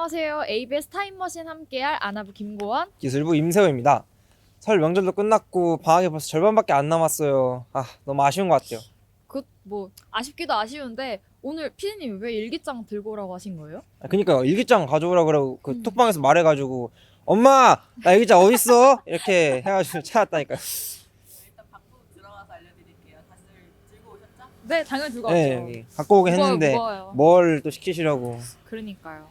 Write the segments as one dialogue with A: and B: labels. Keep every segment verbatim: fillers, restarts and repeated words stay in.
A: 안녕하세요. 에이비에스 타임머신 함께할 아나부 김고원
B: 기술부 임세호입니다. 설 명절도 끝났고 방학이 벌써 절반밖에 안 남았어요. 아, 너무 아쉬운 것 같아요.
A: 그 뭐 아쉽기도 아쉬운데 오늘 피디님 왜 일기장 들고 오라고 하신 거예요?
B: 아, 그니까요. 일기장 가져오라 그러고 그
A: 음.
B: 톡방에서 말해가지고 엄마 나 일기장 어딨어? 이렇게 해가지고 찾았다니까요.
C: 일단 방송 들어가서 알려드릴게요. 다들 들고 오셨죠?
A: 네, 당연히 들고 왔죠.
B: 네, 여기 갖고 오긴
A: 무거워요,
B: 했는데
A: 무거워요.
B: 뭘 또 시키시려고.
A: 그러니까요.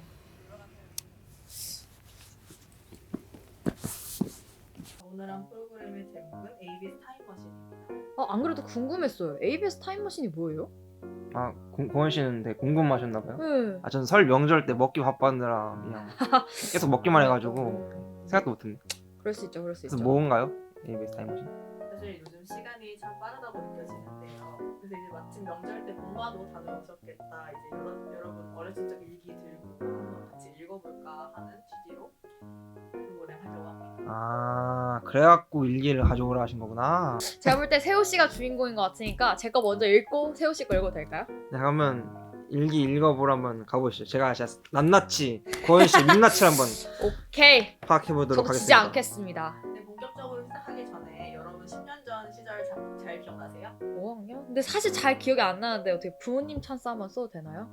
C: 오늘 한 프로그램의 제목은 에이비에스 타임머신입니다.
A: 어, 안 그래도 궁금했어요. 에이비에스 타임머신이 뭐예요?
B: 아, 고, 고원 씨는 되게 궁금하셨나봐요.
A: 네.
B: 아, 전 설 명절 때 먹기 바빴느라 그냥 계속 먹기만 해가지고 생각도 못했네.
A: 그럴 수 있죠, 그럴 수
B: 그래서
A: 있죠.
B: 뭔가요? 에이비에스 타임머신?
C: 사실 요즘 시간이 참 빠르다고 느껴지는데요. 그래서 이제 마침 명절 때 본가도 다녀오셨겠다. 이제 여러, 여러분 어렸을 적 일기 들고 한번 같이 읽어볼까 하는 취지로 프로그램 하려고 합니다.
B: 아, 그래갖고 일기를 가져오라 하신 거구나.
A: 제가 볼 때 세호 씨가 주인공인 것 같으니까 제 거 먼저 읽고 세호 씨 거 읽어도 될까요?
B: 네, 그러면 일기 읽어보러 한번 가보시죠. 제가 진짜 낱낱이 고현 씨의 민낯을 한번
A: 오케이.
B: 파악해 보도록
A: 저도 지지
B: 하겠습니다.
A: 않겠습니다.
C: 근데 본격적으로 시작하기 전에 여러분 십 년 전 시절 잘, 잘 기억나세요?
A: 오 학년? 근데 사실 잘 기억이 안 나는데 어떻게 부모님 찬스 한번 써도 되나요?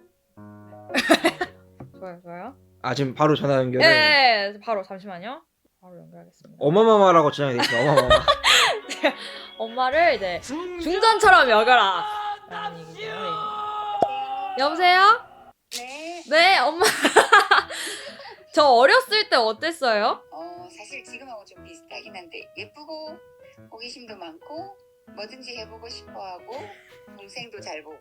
A: 좋아요, 좋아요.
B: 아, 지금 바로 전화 연결을
A: 네, 바로 잠시만요. 바로 연결하겠습니다.
B: 어마마마라고 지정이 돼 있어요. 어마마마.
A: 엄마를 이제 중전처럼 여겨라. 라는 얘기죠. 예. 여보세요?
D: 네,
A: 네, 엄마. 저 어렸을 때 어땠어요?
D: 어, 사실 지금하고 좀 비슷하긴 한데 예쁘고 호기심도 많고 뭐든지 해보고 싶어하고 동생도 잘 보고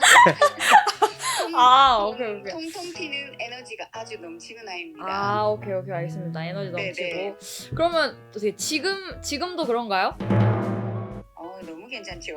D: 통,
A: 아,
D: 통,
A: 오케이, 오케이.
D: 통통 튀는 에너지가 아주 넘치는 아이입니다.
A: 아, 오케이, 오케이, 알겠습니다. 에너지
D: 네네.
A: 넘치고. 그러면 어떻게 지금 지금도 그런가요?
D: 어, 너무 괜찮죠?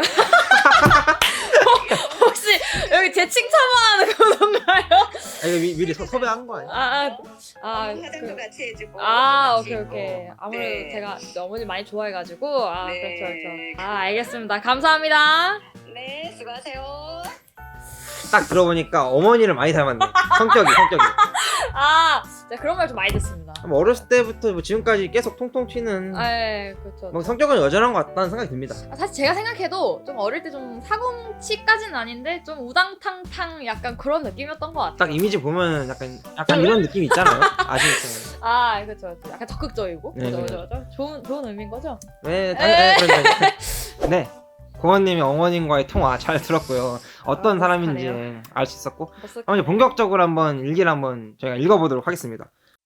A: 혹시 여기 제 칭찬만 하는 건가요?
B: 아, 이거 미, 미리 서, 섭외한 거 아니야?
A: 아, 아, 아,
D: 화장도
A: 그,
D: 같이 해주고
A: 아,
D: 같이
A: 오케이,
D: 있고.
A: 오케이. 아무래도
D: 네.
A: 제가 어머니 많이 좋아해가지고, 아,
D: 네.
A: 그렇죠, 그렇죠. 아, 알겠습니다. 감사합니다.
D: 네, 수고하세요.
B: 딱 들어보니까 어머니를 많이 닮았네. 성격이 성격이.
A: 아, 제가 그런 말 좀 많이 듣습니다.
B: 뭐 어렸을 때부터 뭐 지금까지 계속 통통 튀는
A: 아, 예, 그렇죠.
B: 뭐 성격은 여전한 것 같다는 생각이 듭니다.
A: 아, 사실 제가 생각해도 좀 어릴 때 좀 사고치까지는 아닌데 좀 우당탕탕 약간 그런 느낌이었던 것 같아요.
B: 딱 이미지 보면 약간 약간 이런 느낌 있잖아요. 아시겠죠?
A: 아, 그렇죠, 그렇죠. 약간 적극적이고,
B: 네,
A: 그죠,
B: 네.
A: 그죠, 그죠. 좋은 좋은 의미인 거죠.
B: 네, 당연히 네, 그렇죠. 네. 고원님이 어머님과의 통화 잘 들었고요. 어떤
A: 아,
B: 사람인지
A: 잘해요.
B: 알 수 있었고,
A: 벌써
B: 한번 이제 본격적으로 한번 일기를 한번 저희가 읽어보도록 하겠습니다.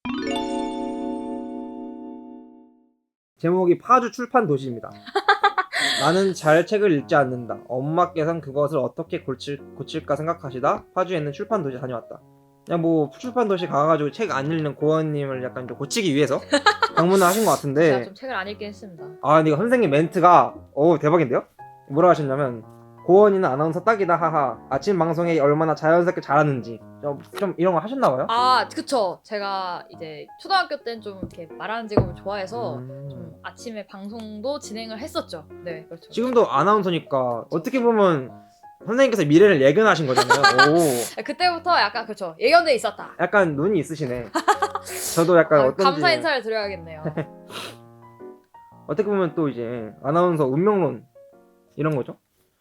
B: 제목이 파주 출판 도시입니다. 나는 잘 책을 읽지 않는다. 엄마께선 그것을 어떻게 고칠, 고칠까 생각하시다 파주에 있는 출판 도시에 다녀왔다. 그냥 뭐 출판 도시 가가지고 책 안 읽는 고원님을 약간 좀 고치기 위해서 방문을 하신 것
A: 제가
B: 같은데,
A: 좀 책을 안 읽긴 했습니다.
B: 아 근데 이거 선생님 멘트가 오 대박인데요? 뭐라 하셨냐면, 고원이는 아나운서 딱이다 하하, 아침 방송에 얼마나 자연스럽게 잘하는지. 좀, 좀 이런 거 하셨나봐요?
A: 아, 그쵸. 제가 이제 초등학교 때는 좀 이렇게 말하는 직업을 좋아해서
B: 음.
A: 좀 아침에 방송도 진행을 했었죠. 네, 그렇죠.
B: 지금도 아나운서니까 어떻게 보면 선생님께서 미래를 예견하신 거잖아요. 오,
A: 그때부터 약간 그렇죠. 예견돼 있었다.
B: 약간 눈이 있으시네. 저도 약간
A: 아,
B: 어떤지
A: 감사 인사를 드려야겠네요.
B: 어떻게 보면 또 이제 아나운서 운명론 이런 거죠.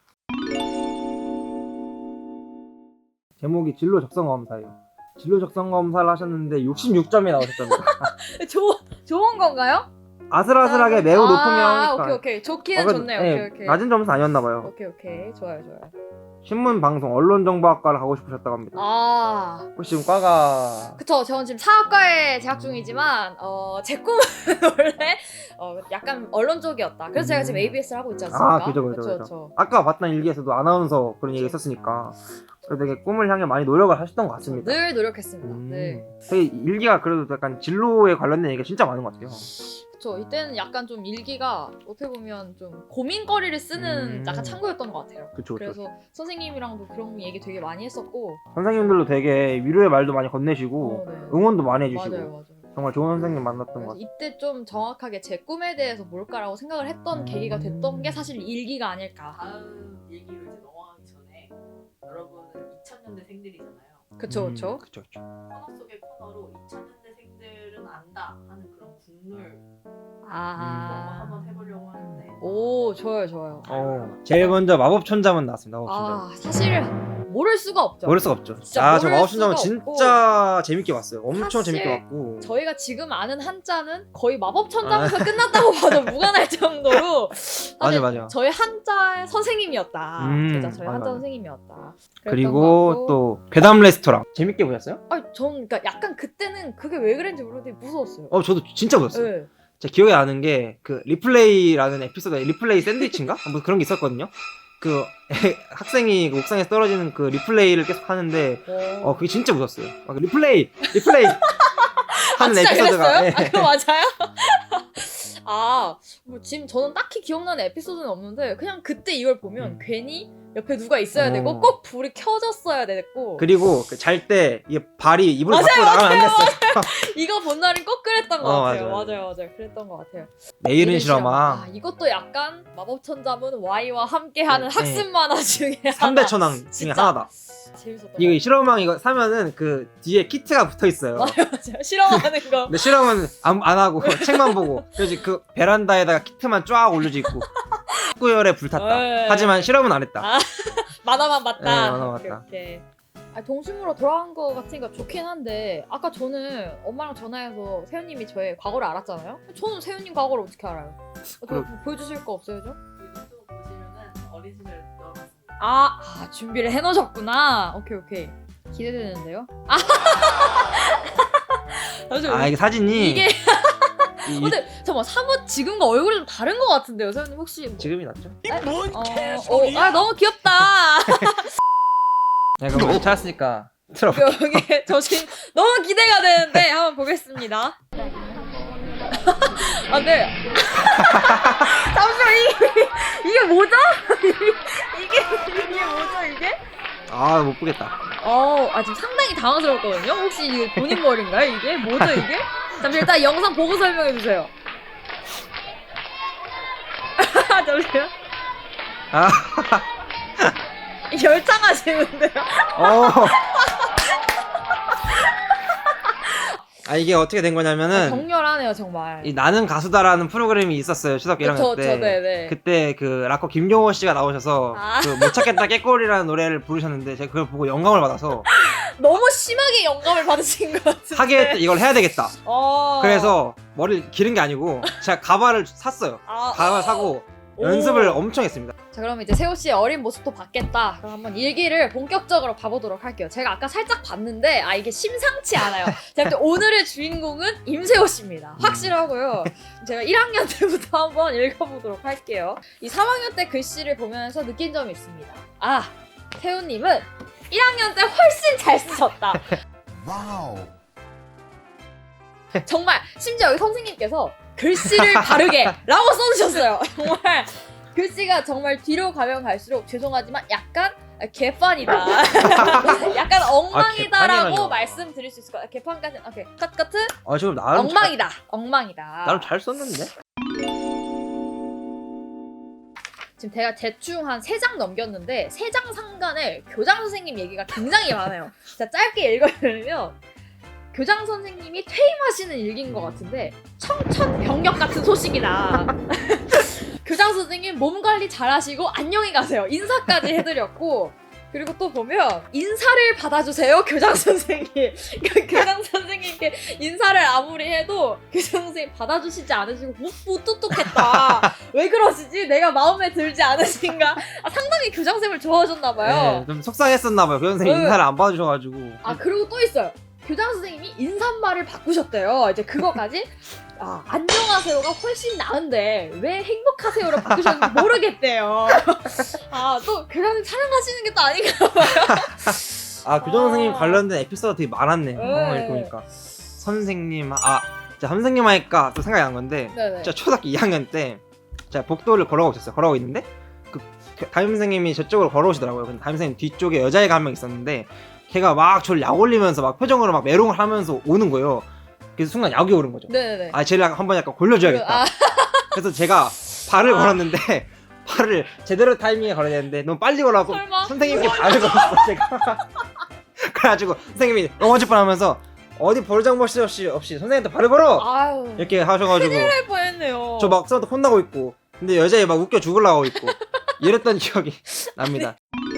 B: 제목이 진로 적성 검사예요. 진로 적성 검사를 하셨는데 육십육 점이 나오셨답니다.
A: 좋 좋은 건가요?
B: 아슬아슬하게 매우
A: 아,
B: 높으면
A: 아, 오케이 오케이. 좋기는 좋네요. 오케이 오케이.
B: 낮은 점수 아니었나봐요.
A: 오케이 오케이. 좋아요 좋아요.
B: 신문 방송 언론정보학과를 가고 싶으셨다고 합니다.
A: 아,
B: 혹시 지금 과가
A: 그쵸. 저는 지금 사학과에 재학 중이지만 어, 제 꿈은 원래 어, 약간 언론 쪽이었다. 그래서 제가 지금
B: 음.
A: 에이비에스를 하고 있지 않습니까?
B: 아, 그죠, 그죠,
A: 그쵸,
B: 그죠.
A: 그쵸.
B: 아까 봤던 일기에서도 아나운서 그런 얘기 있었으니까 되게 꿈을 향해 많이 노력을 하셨던 것 같습니다.
A: 늘 노력했습니다.
B: 음.
A: 네.
B: 되게 일기가 그래도 약간 진로에 관련된 얘기가 진짜 많은 것 같아요.
A: 그쵸. 이때는 약간 좀 일기가 어떻게 보면 좀 고민거리를 쓰는
B: 음.
A: 약간 창구였던 것 같아요.
B: 그쵸, 그쵸.
A: 그래서 선생님이랑도 그런 얘기 되게 많이 했었고.
B: 선생님들도 되게 위로의 말도 많이 건네시고
A: 어, 네.
B: 응원도 많이 해주시고
A: 맞아요, 맞아요.
B: 정말 좋은 선생님 만났던 것
A: 그래서
B: 같아요.
A: 이때 좀 정확하게 제 꿈에 대해서 뭘까라고 생각을 했던
B: 음.
A: 계기가 됐던 게 사실 일기가 아닐까.
C: 다음 얘기로 이제 넘어가기 전에 여러분은 이천 년대 생들이잖아요.
A: 그쵸 그쵸.
B: 음, 그쵸 그쵸.
C: 코너 속의 코너로 이천 년대생들은 안다 하는 그런 국룰 그런 거
A: 아.
C: 한번 해보려고 하는데
A: 오 좋아요 좋아요.
B: 어, 제일 먼저 마법 천자문 나왔습니다. 마법 천자문.
A: 아 사실 모를 수가 없죠.
B: 모를 수가 없죠.
A: 진짜
B: 아, 저
A: 모를
B: 마법 천자문
A: 수가
B: 진짜 재밌게 봤어요. 엄청
A: 사실
B: 재밌게 봤고.
A: 저희가 지금 아는 한자는 거의 마법 천자문에서 끝났다고 봐도 무관할 정도로 사실
B: 맞아 맞아.
A: 저희 한자의 선생님이었다.
B: 음,
A: 진짜 저희
B: 맞아,
A: 한자
B: 맞아.
A: 선생님이었다. 그랬던 것
B: 그리고
A: 같고.
B: 또 괴담 레스토랑 재밌게 보셨어요?
A: 아니 전 그러니까 약간 그때는 그게 왜 그랬는지 모르는데 무서웠어요.
B: 어 저도 진짜 보셨어요.
A: 네.
B: 제가 기억에 나는 게 그 리플레이라는 에피소드 리플레이 샌드위치인가? 뭐 그런 게 있었거든요. 그 학생이 그 옥상에서 떨어지는 그 리플레이를 계속 하는데
A: 어,
B: 어 그게 진짜 무섭어요. 막 리플레이 리플레이 하는
A: 진짜
B: 에피소드가
A: 그랬어요?
B: 예.
A: 아 그거 맞아요? 아, 뭐 지금 저는 딱히 기억나는 에피소드는 없는데 그냥 그때 이걸 보면
B: 음.
A: 괜히 옆에 누가 있어야
B: 어.
A: 되고 꼭 불이 켜졌어야 됐고
B: 그리고 잘 때 이게 발이 이불
A: 맞아요,
B: 밖으로 나가면 안 됐어요.
A: 이거 본 날은 꼭 그랬던 것
B: 어,
A: 같아요.
B: 맞아요,
A: 맞아요, 맞아요. 그랬던 것 같아요.
B: 내일은
A: 내일은
B: 실험아
A: 아, 이것도 약간 마법천자문 Y와 함께하는
B: 네,
A: 학습 만화 중에
B: 삼 대
A: 하나.
B: 천왕 중에
A: 진짜.
B: 하나다.
A: 재밌었던 것
B: 이거 실험왕 이거 사면은 그 뒤에 키트가 붙어 있어요.
A: 같아요. 맞아요. 실험하는 거.
B: 근데 실험은 안, 안 하고 책만 보고 그래서 그 베란다에다가 키트만 쫙 올려져 있고 학구열에 불탔다.
A: 네.
B: 하지만 실험은 안 했다.
A: 아, 만화만 봤다.
B: 네, 만화만
A: 오케이,
B: 봤다.
A: 오케이. 아, 동심으로 돌아간 거 같으니까 좋긴 한데 아까 저는 엄마랑 전화해서 세훈님이 저의 과거를 알았잖아요. 저는 세훈님 과거를 어떻게 알아요? 어,
B: 그럼-
A: 보- 보여주실 거 없어요, 좀?
C: 이것도 보시면은 어린 시절 넣어놨습니다.
A: 아, 아 준비를 해놓으셨구나. 오케이 오케이 기대되는데요. 아, 잠시만요.
B: 아 이게 사진이
A: 이게
B: 이-
A: 근데 잠깐만 사뭇 지금과 얼굴이 좀 다른 것 같은데요, 세훈님 혹시? 뭐...
B: 지금이 낫죠?
A: 어, 어, 아 너무 귀엽다.
B: 야 그럼 못 찾았으니까 틀어봐.
A: 여기 저 지금 너무 기대가 되는데 한번 보겠습니다. 아 네. 잠시만 이게 이게 뭐죠? 이게 이게 뭐죠 이게?
B: 아 못 보겠다.
A: 어, 아 지금 상당히 당황스럽거든요. 혹시 이게 본인 머리인가요? 이게 뭐죠 이게? 잠시 일단 영상 보고 설명해 주세요. 잠시만.
B: 아
A: 열창하시는데요?
B: 어. 아 이게 어떻게 된 거냐면은
A: 격렬하네요 정말.
B: 이 나는 가수다라는 프로그램이 있었어요 초등학교 일 학년
A: 그쵸,
B: 때.
A: 그쵸, 네네.
B: 그때 그 락커 김용호 씨가 나오셔서
A: 아.
B: 그 못 찾겠다 깨꼬리라는 노래를 부르셨는데 제가 그걸 보고 영감을 받아서
A: 너무 심하게 영감을 받으신 것 같은데.
B: 하게 이걸 해야 되겠다.
A: 어.
B: 그래서 머리를 기른 게 아니고 제가 가발을 샀어요.
A: 아,
B: 가발 사고
A: 오.
B: 연습을 엄청 했습니다.
A: 자 그럼 이제 세호 씨의 어린 모습도 봤겠다. 그럼 한번 일기를 본격적으로 봐보도록 할게요. 제가 아까 살짝 봤는데 아 이게 심상치 않아요. 제가 볼 때 오늘의 주인공은 임세호 씨입니다. 확실하고요. 제가 일 학년 때부터 한번 읽어보도록 할게요. 이 삼 학년 때 글씨를 보면서 느낀 점이 있습니다. 아 세호님은 일 학년 때 훨씬 잘 쓰셨다.
E: 와우.
A: 정말 심지어 여기 선생님께서 글씨를 바르게 라고 써주셨어요. 정말 글씨가 정말 뒤로 가면 갈수록 죄송하지만 약간 개판이다. 약간 엉망이다라고
B: 개판이라뇨.
A: 말씀드릴 수 있을 것 같아요. 개판까지 오케이 컷 커트
B: 아 지금 나름
A: 엉망이다. 엉망이다.
B: 잘, 나름 잘 썼는데.
A: 지금 제가 대충 한 세 장 넘겼는데 세 장 상간에 교장 선생님 얘기가 굉장히 많아요. 자 짧게 읽어드리면 교장 선생님이 퇴임하시는 일기인 것 같은데 청천벽력 같은 소식이다. 교장 선생님 몸 관리 잘하시고 안녕히 가세요. 인사까지 해드렸고 그리고 또 보면 인사를 받아주세요 교장 선생님. 그러니까 교장 선생님께 인사를 아무리 해도 교장 선생님 받아주시지 않으시고 못, 무뚝뚝했다. 왜 그러시지? 내가 마음에 들지 않으신가? 아, 상당히 교장 선생님을 좋아하셨나봐요.
B: 네, 좀 속상했었나 봐요. 그 선생님
A: 네.
B: 인사를 안 받아주셔가지고.
A: 아 그리고 또 있어요. 교장 선생님이 인사말을 바꾸셨대요. 이제 그거까지 아 안녕하세요가 훨씬 나은데 왜 행복하세요로 바꾸셨는지 모르겠대요. 아 또 교장 선생님 사랑하시는 게 또 아닌가 봐요.
B: 아 교장 선생님
A: 아.
B: 관련된 에피소드 되게 많았네.
A: 네.
B: 어, 이렇게 보니까 선생님 아 진짜 선생님 하니까 또 생각이 난 건데
A: 네네.
B: 진짜 초등학교 이 학년 때 제가 복도를 걸어가고 있었어요. 걸어가고 있는데 그 담임 선생님이 저쪽으로 걸어오시더라고요. 근데 담임 선생님 뒤쪽에 여자애가 한 명 있었는데 걔가 막 저를 약 올리면서 막 표정으로 막 메롱을 하면서 오는 거예요. 그래서 순간 약이 오른 거죠.
A: 네네네.
B: 아 쟤를 한번 약간 골려줘야겠다.
A: 아,
B: 그래서 제가 발을
A: 아.
B: 걸었는데 발을 제대로 타이밍에 걸어야 되는데 너무 빨리 걸어갖고
A: 설마?
B: 선생님께 발을 걸었어 제가. 그래가지고 선생님이 넘어질 뻔하면서 어디 벌장벌시 없이 없이 선생님한테 발을 걸어
A: 아유.
B: 이렇게 하셔가지고
A: 할 뻔했네요.
B: 저 막 선생님한테 혼나고 있고 근데 여자애 막 웃겨 죽으려고 있고 이랬던 기억이 납니다.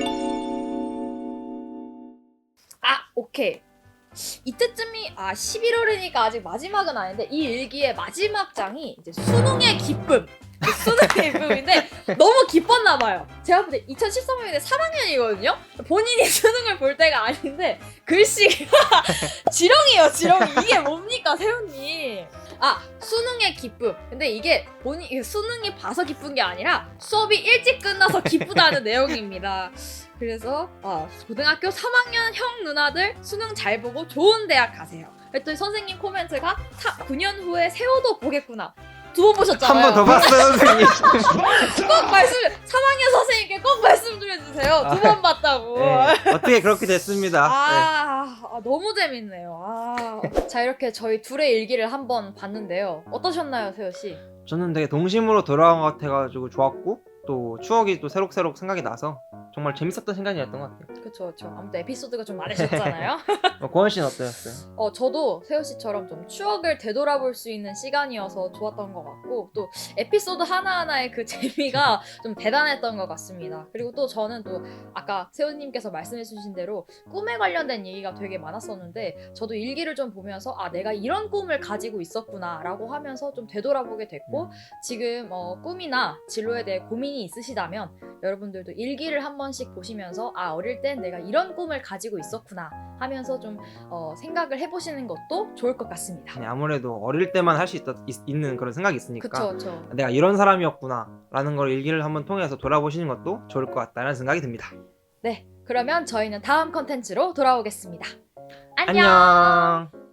A: 아, 오케이. 이때쯤이 아 십일월이니까 아직 마지막은 아닌데 이 일기의 마지막 장이 이제 수능의 기쁨. 이제 수능의 기쁨인데 너무 기뻤나 봐요. 제가 볼 때 이천십삼 년인데 삼 학년이거든요. 본인이 수능을 볼 때가 아닌데 글씨가 지렁이에요, 지렁이. 이게 뭡니까, 세훈님? 아, 수능의 기쁨. 근데 이게 본인 이게 수능이 봐서 기쁜 게 아니라 수업이 일찍 끝나서 기쁘다는 내용입니다. 그래서 어, 고등학교 삼 학년 형 누나들 수능 잘 보고 좋은 대학 가세요. 그랬더니 선생님 코멘트가 구 년 후에 세호도 보겠구나. 두 번 보셨잖아요.
B: 한 번 더 봤어요 선생님.
A: 꼭 말씀 삼 학년 선생님께 꼭 말씀 좀 해주세요. 두 번 봤다고.
B: 네, 어떻게 그렇게 됐습니다. 네.
A: 아, 아, 너무 재밌네요. 아. 자, 이렇게 저희 둘의 일기를 한번 봤는데요. 어떠셨나요, 세호 씨?
B: 저는 되게 동심으로 돌아온 것 같아가지고 좋았고 또 추억이 또 새록새록 생각이 나서 정말 재밌었던 시간이었던 것 같아요.
A: 그쵸, 그쵸. 아무튼 에피소드가 좀 많으셨잖아요.
B: 어, 고원 씨는 어떠셨어요?
A: 어, 저도 세호 씨처럼 좀 추억을 되돌아볼 수 있는 시간이어서 좋았던 것 같고 또 에피소드 하나하나의 그 재미가 좀 대단했던 것 같습니다. 그리고 또 저는 또 아까 세호님께서 말씀해주신 대로 꿈에 관련된 얘기가 되게 많았었는데 저도 일기를 좀 보면서 아 내가 이런 꿈을 가지고 있었구나 라고 하면서 좀 되돌아보게 됐고 지금 어, 꿈이나 진로에 대해 고민이 있으시다면 여러분들도 일기를 한 번씩 보시면서 아 어릴 땐 내가 이런 꿈을 가지고 있었구나 하면서 좀 어, 생각을 해보시는 것도 좋을 것 같습니다.
B: 네, 아무래도 어릴 때만 할 수 있는 그런 생각이 있으니까
A: 그쵸, 그쵸.
B: 내가 이런 사람이었구나 라는 걸 일기를 한번 통해서 돌아보시는 것도 좋을 것 같다는 생각이 듭니다.
A: 네, 그러면 저희는 다음 컨텐츠로 돌아오겠습니다. 안녕!
B: 안녕.